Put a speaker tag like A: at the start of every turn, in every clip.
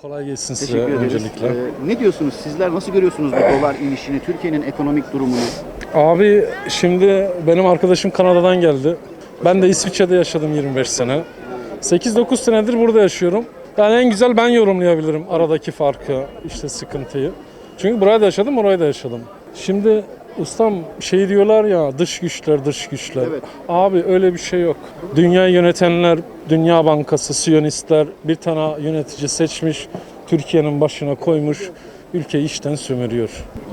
A: Kolay gelsin size
B: Teşekkür ederiz.
A: öncelikle.
B: Ne diyorsunuz? Sizler nasıl görüyorsunuz bu dolar inişini, Türkiye'nin ekonomik durumunu?
A: Abi şimdi benim arkadaşım Kanada'dan geldi. Ben de İsviçre'de yaşadım 25 sene. 8-9 senedir burada yaşıyorum. Yani en güzel ben yorumlayabilirim aradaki farkı, işte sıkıntıyı. Çünkü buraya da yaşadım, oraya da yaşadım. Şimdi ustam şey diyorlar ya, dış güçler, dış güçler.
B: Evet.
A: Abi öyle bir şey yok. Dünyayı yönetenler, Dünya Bankası, Siyonistler bir tane yönetici seçmiş, Türkiye'nin başına koymuş, ülkeyi içten sömürüyor.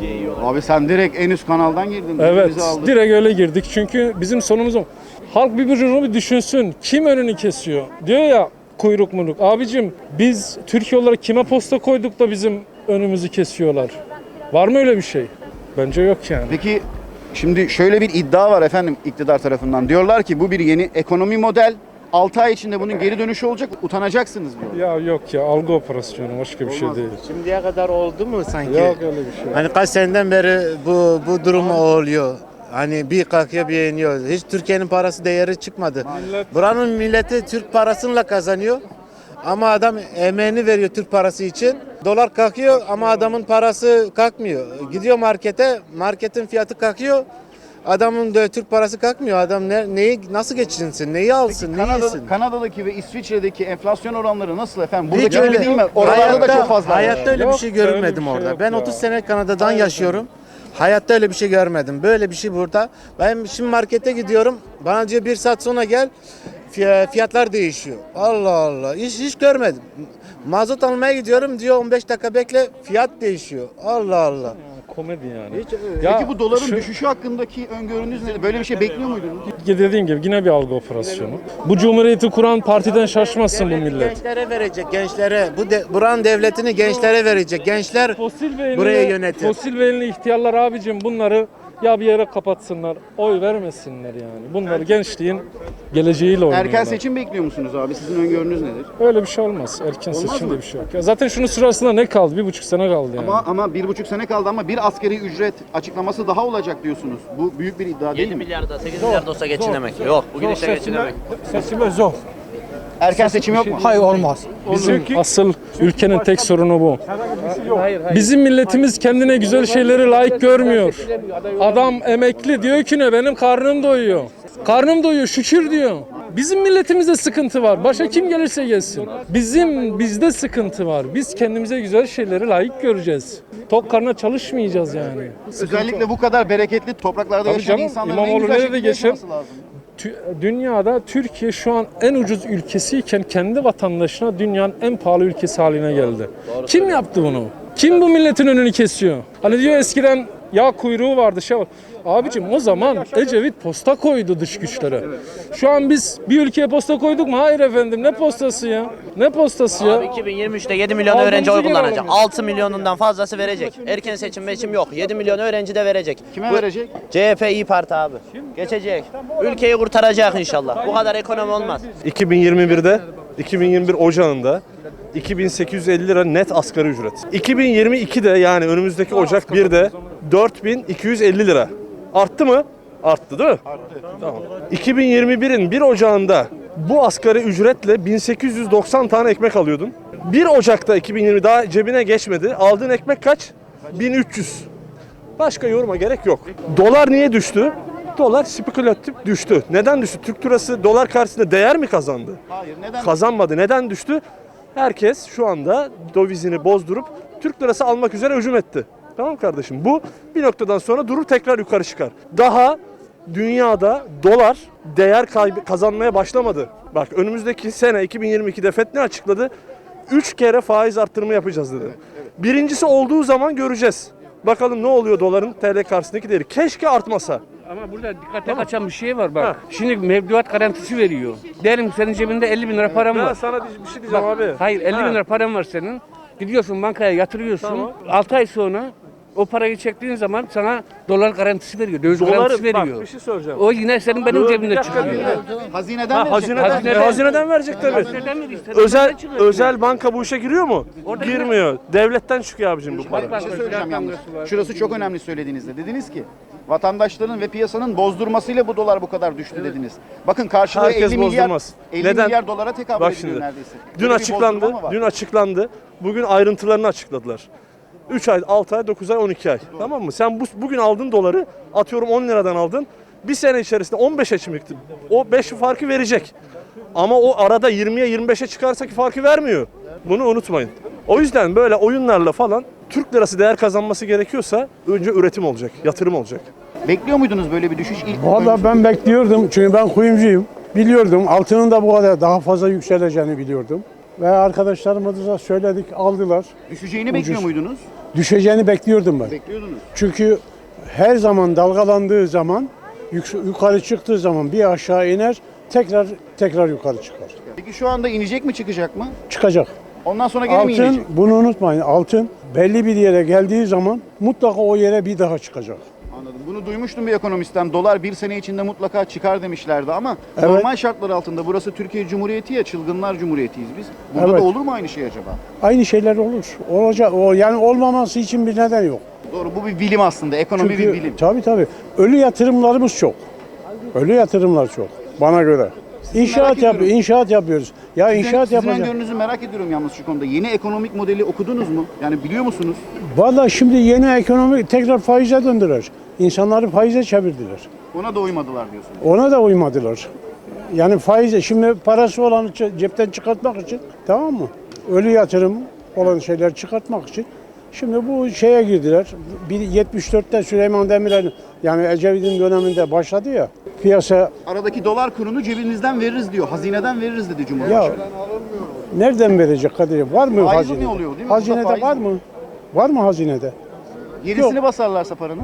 B: Abi sen direkt en üst kanaldan girdin.
A: Evet,
B: Bizi aldın.
A: direkt öyle girdik çünkü bizim sonumuz o. Halk bir düşünsün, kim önünü kesiyor? Diyor ya kuyruk munuk. Abicim biz Türkiye olarak kime posta koyduk da bizim önümüzü kesiyorlar? Var mı öyle bir şey? Bence yok yani.
B: Peki şimdi şöyle bir iddia var efendim iktidar tarafından. Diyorlar ki bu bir yeni ekonomi model. 6 ay içinde bunun geri dönüşü olacak. Utanacaksınız diyor.
A: Ya yok ya, algı operasyonu, başka bir şey
B: Olmaz.
A: değil.
C: Şimdiye kadar oldu mu sanki?
A: Yok öyle bir şey.
C: Hani kaç seneden beri bu durum oluyor. Hani bir kalkıyor bir iniyor. Hiç Türkiye'nin parası değeri çıkmadı. Buranın milleti Türk parasıyla kazanıyor. Ama adam emeğini veriyor Türk parası için. Dolar kalkıyor ama adamın parası kalkmıyor. Gidiyor markete, marketin fiyatı kalkıyor. Adamın da Türk parası kalkmıyor. Adam neyi nasıl geçinsin, neyi alsın, neyi yesin?
B: Kanada'daki ve İsviçre'deki enflasyon oranları nasıl efendim?
C: Hiç
B: Burada gibi değil mi? Oralarda da çok fazla.
C: Hayatta öyle bir
A: Yok,
C: şey
A: öyle bir
C: görmedim
A: şey
C: orada.
A: yok
C: Ben
A: ya.
C: 30 sene Kanada'dan yaşıyorum. Hayatta öyle bir şey görmedim. Böyle bir şey burada. Ben şimdi markete gidiyorum. Bana diyor 1 saat sonra gel. Fiyatlar değişiyor. Allah Allah. Hiç görmedim. Mazot almaya gidiyorum diyor 15 dakika bekle fiyat değişiyor. Allah Allah.
A: Komedi yani.
B: Peki bu doların
A: şu-
B: düşüşü hakkındaki öngörünüz nedir? Böyle bir şey bekliyor muydunuz?
A: Dediğim gibi yine bir algı operasyonu. Bu cumhuriyeti kuran partiden şaşmasın bu millet.
C: Gençlere verecek gençlere. Buranın devletini gençlere verecek. Gençler buraya yönetir.
A: Fosil beyinli ihtiyarlar abicim bunları ya bir yere kapatsınlar, oy vermesinler yani. Bunlar gençliğin geleceğiyle oynuyorlar.
B: Erken seçim bekliyor musunuz abi? Sizin öngörünüz nedir?
A: Öyle bir şey olmaz. Erken
B: Olmaz
A: seçimde
B: mı?
A: bir şey yok. Ya zaten şunun sırasında ne kaldı? 1,5 sene kaldı yani.
B: Ama 1,5 sene kaldı ama bir asgari ücret açıklaması daha olacak diyorsunuz. Bu büyük bir iddia değil
D: 7
B: mi?
D: milyarda 8 milyarda olsa geçinemek. Yok bugün işte geçinemek.
E: Seçime zor.
B: Erken seçim yok mu?
E: Hayır olmaz.
A: Bizim asıl ülkenin tek sorunu bu. Bizim milletimiz kendine güzel şeyleri layık görmüyor. Adam emekli diyor ki ne benim karnım doyuyor. Karnım doyuyor şükür diyor. Bizim milletimizde sıkıntı var. Başa kim gelirse gelsin. Bizde sıkıntı var. Biz kendimize güzel şeyleri layık göreceğiz. Tok karnına çalışmayacağız yani.
B: Özellikle bu kadar bereketli topraklarda
A: Tabii
B: yaşayan
A: canım,
B: insanların
A: İmamoğlu
B: en güzel
A: nerede
B: şekilde
A: geçer?
B: yaşaması lazım.
A: Dünyada Türkiye şu an en ucuz ülkesiyken kendi vatandaşına dünyanın en pahalı ülkesi haline geldi. Kim yaptı bunu? Kim bu milletin önünü kesiyor? Hani diyor eskiden yağ kuyruğu vardı şey var. Abicim o zaman Ecevit posta koydu dış güçlere. Şu an biz bir ülkeye posta koyduk mu? Hayır efendim ne postası ya? Ne postası
D: Abi
A: ya?
D: 2023'te 7 milyon
A: Aldığımızı
D: öğrenci oy
A: geri
D: kullanacak.
A: alamıyoruz.
D: 6 milyonundan fazlası verecek. Erken seçim yok. 7 milyon öğrenci de verecek.
B: Kime verecek?
D: CHP İYİ Parti abi. Geçecek. Ülkeyi kurtaracak inşallah. Bu kadar ekonomi olmaz.
F: 2021'de 2021 Ocağı'nda 2850 lira net asgari ücret. 2022'de yani önümüzdeki Ocak 1'de 4250 lira. Arttı mı? Arttı değil mi? Arttı. Tamam. 2021'in 1 Ocağı'nda bu asgari ücretle 1890 tane ekmek alıyordun. 1 Ocak'ta 2020 daha cebine geçmedi. Aldığın ekmek kaç? 1300. Başka yoruma gerek yok. Dolar niye düştü? Dolar spekülatif düştü. Neden düştü? Türk lirası dolar karşısında değer mi kazandı?
B: Hayır. Neden?
F: Kazanmadı. Neden düştü? Herkes şu anda dövizini bozdurup Türk lirası almak üzere hücum etti. Tamam kardeşim? Bu bir noktadan sonra durur tekrar yukarı çıkar. Daha dünyada dolar değer kazanmaya başlamadı. Bak önümüzdeki sene 2022'de FED ne açıkladı? 3 kere faiz arttırma yapacağız dedi. Birincisi olduğu zaman göreceğiz. Bakalım ne oluyor doların TL karşısındaki değeri. Keşke artmasa.
G: Ama burada dikkate kaçan bir şey var bak. Şimdi mevduat garantisi veriyor. Diyelim senin cebinde 50 bin lira param
F: Ben
G: var.
F: sana bir şey diyeceğim
G: Bak,
F: abi.
G: hayır 50 bin lira param var senin. Gidiyorsun bankaya yatırıyorsun.
F: Tamam.
G: 6 ay sonra o parayı çektiğin zaman sana dolar garantisi veriyor. Döviz garantisi veriyor.
F: Bak bir şey soracağım.
G: O yine senin benim
F: Dur,
G: cebimde
F: bir dakika,
G: çıkıyor.
F: bir dakika.
B: Hazineden
F: Ha,
B: verecek.
F: hazineden verecek tabii.
G: Neden veriyor? Senin
F: Özel
G: cebimden çıkıyor.
F: özel banka bu işe giriyor mu? Girmiyor. Devletten çıkıyor abicim bu para.
B: Bir şey söyleyeceğim yalnız. Şurası çok önemli söylediğinizde. Dediniz ki Vatandaşların ve piyasanın bozdurmasıyla bu dolar bu kadar düştü dediniz. Bakın karşılığı
F: Herkes
B: 50 milyar,
F: bozdurmaz.
B: 50
F: Neden?
B: milyar dolara tekabül
F: Bak
B: ediyor
F: şimdi,
B: neredeyse.
F: Dün
B: Böyle bir
F: açıklandı.
B: bozdurma mı var?
F: Dün açıklandı. Bugün ayrıntılarını açıkladılar. 3 ay, 6 ay, 9 ay, 12 ay. Tamam mı? Sen bugün aldığın doları atıyorum 10 liradan aldın. Bir sene içerisinde 15'e çıktı. O 5 farkı verecek. Ama o arada 20'ye 25'e çıkarsa ki farkı vermiyor. Bunu unutmayın. O yüzden böyle oyunlarla falan Türk lirası değer kazanması gerekiyorsa önce üretim olacak, yatırım olacak.
B: Bekliyor muydunuz böyle bir düşüş?
E: Vallahi ben bekliyordum çünkü ben kuyumcuyum. Biliyordum altının da bu kadar daha fazla yükseleceğini biliyordum. Ve arkadaşlarımıza söyledik, aldılar.
B: Düşeceğini bekliyor muydunuz?
E: Düşeceğini bekliyordum ben.
B: Bekliyordunuz.
E: Çünkü her zaman dalgalandığı zaman, yukarı çıktığı zaman bir aşağı iner, tekrar yukarı çıkar.
B: Peki şu anda inecek mi çıkacak mı?
E: Çıkacak.
B: Ondan sonra geri mi
E: Altın,
B: inecek?
E: bunu unutmayın, altın belli bir yere geldiği zaman mutlaka o yere bir daha çıkacak.
B: Anladım. Bunu duymuştum bir ekonomistten. Dolar bir sene içinde mutlaka çıkar demişlerdi ama
E: Evet.
B: normal şartlar altında burası Türkiye Cumhuriyeti ya, çılgınlar cumhuriyetiyiz biz. Burada
E: Evet.
B: da olur mu aynı şey acaba?
E: Aynı şeyler olur. Olacak. Yani olmaması için bir neden yok.
B: Doğru, bu bir bilim aslında. Ekonomi bir bilim.
E: Tabii. Ölü yatırımlarımız çok. Ölü yatırımlar çok bana göre.
B: ediyorum.
E: İnşaat yapıyoruz. Ya inşaat
B: Sizin
E: yapacağız.
B: öngörünüzü merak ediyorum yalnız şu konuda. Yeni ekonomik modeli okudunuz mu? Yani biliyor musunuz?
E: Vallahi şimdi yeni ekonomi tekrar faize döndüler. İnsanları faize çevirdiler.
B: Ona da uymadılar diyorsunuz.
E: Ona da uymadılar. Yani faize şimdi parası olanı cepten çıkartmak için, tamam mı? Ölü yatırım olan şeyler çıkartmak için. Şimdi bu şeye girdiler. 74'te Süleyman Demirel yani Ecevit'in döneminde başladı ya. Piyasa
B: Aradaki dolar kurunu cebinizden veririz diyor. Hazineden veririz dedi
E: ya
B: Cumhurbaşkanı.
E: nereden verecek Kadir? Var mı
B: Faiz
E: hazinede?
B: mi oluyor, değil mi?
E: Hazinede
B: Burada faiz
E: var
B: mi?
E: mı? Var mı hazinede?
B: Gerisini basarlarsa paranın.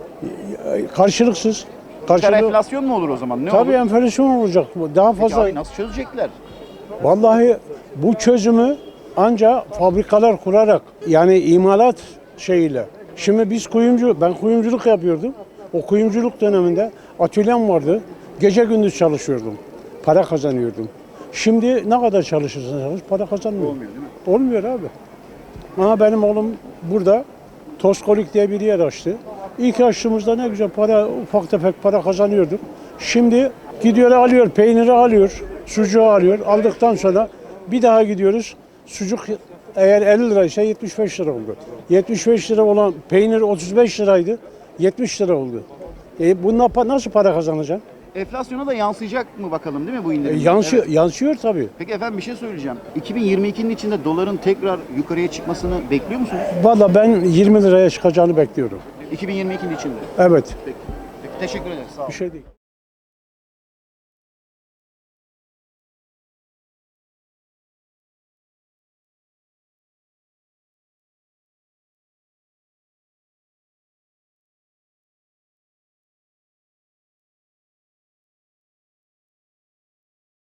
E: Karşılıksız.
B: Dışarı enflasyon mu olur o zaman? Ne
E: Tabii
B: olur?
E: enflasyon olacak. Daha
B: Peki
E: fazla.
B: abi nasıl çözecekler?
E: Vallahi bu çözümü ancak fabrikalar kurarak yani imalat şeyiyle. Şimdi ben kuyumculuk yapıyordum. O kuyumculuk döneminde atölyem vardı. Gece gündüz çalışıyordum. Para kazanıyordum. Şimdi ne kadar çalışırsan çalış para kazanmıyor.
B: Olmuyor değil mi?
E: Olmuyor abi. Ama benim oğlum burada Toskolik diye bir yer açtı. İlk açtığımızda ne güzel ufak tefek para kazanıyorduk. Şimdi gidiyor alıyor, peyniri alıyor, sucuğu alıyor. Aldıktan sonra bir daha gidiyoruz. Sucuk eğer 50 liraysa 75 lira oldu. 75 lira olan peynir 35 liraydı. 70 lira oldu. Bununla nasıl para kazanacaksın?
B: Enflasyona da yansıyacak mı bakalım değil mi bu indirim? Evet.
E: Yansıyor tabii.
B: Peki efendim bir şey söyleyeceğim. 2022'nin içinde doların tekrar yukarıya çıkmasını bekliyor musunuz?
E: Valla ben 20 liraya çıkacağını bekliyorum.
B: 2022'nin içinde.
E: Evet.
B: Peki teşekkür ederiz. Sağ olun.
E: Bir şey değil.